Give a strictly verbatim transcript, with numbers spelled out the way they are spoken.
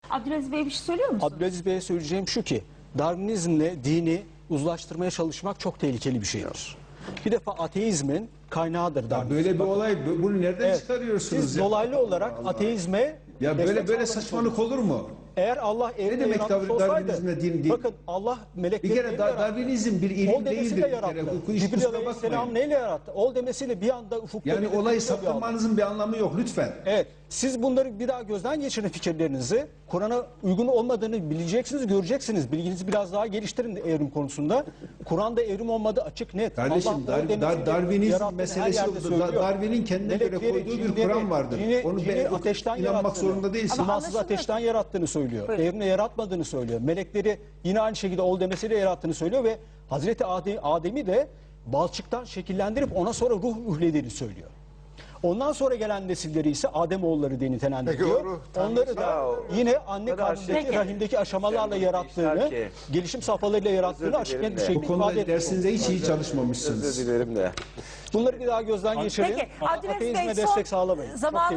Abdülaziz Bey bir şey söylüyor musunuz? Abdülaziz Bey'e söyleyeceğim şu ki, Darwinizmle dini uzlaştırmaya çalışmak çok tehlikeli bir şeydir. Bir defa ateizmin kaynağıdır Darwinizm. Böyle bir olay, bunu nereden Evet, çıkarıyorsunuz siz ya? dolaylı olarak Allah Allah. ateizme Ya böyle destek böyle sağlamış saçmalık olur mu? Eğer Allah evreni demek yaratmış tabii olsaydı, Darwinizmle din değil? bakın Allah melekleri Bir kere neyle Dar- yarattı? Darwinizm bir Ol ilim demesiyle değildir bir kere. yarattı. Bu iş Cibril kusura Aleyhisselam bakmayın. neyle yarattı? Ol demesiyle bir anda ufukta... Yani belirtiyor olayı bir Allah. saptırmanızın bir anlamı yok lütfen. Evet, siz bunları bir daha gözden geçirin fikirlerinizi. Kur'an'a uygun olmadığını bileceksiniz, göreceksiniz. Bilginizi biraz daha geliştirin evrim konusunda. Kur'an'da evrim olmadığı açık net. Kardeşim Allah Dar- ol demesiyle Dar- Darwinizm yarattığını her meselesi yerde yoktur. söylüyor. Darwin'in kendine göre Melekleri, koyduğu bir cinleri, Kur'an vardır. cini- Onu cini be- ateşten inanmak yarattığını, zorunda değilsin. Ama İmansız anlaşılmıyor. ateşten yarattığını söylüyor. Buyurun. Evrimle yaratmadığını söylüyor. Melekleri yine aynı şekilde ol demesiyle yarattığını söylüyor ve Hazreti Adem, Adem'i de balçıktan şekillendirip ona sonra ruh ühlediğini söylüyor. Ondan sonra gelen nesilleri ise Ademoğulları diye nitelendiriyor. Peki o ruh Tanrı- Onları da Ya, yine anne kadar karnındaki şey- rahimdeki aşamalarla Sen bunu yarattığını, işler ki- gelişim safhalarıyla yarattığını Özür açık net dilerim bir de. şekilde Bu konuda ifade etmiş. dersinizde hiç iyi çalışmamışsınız. Özür dilerim de. Bunları bir daha gözden geçirin. Peki Abdülaziz Ateizme Bey destek son sağlamayın. Çok zaman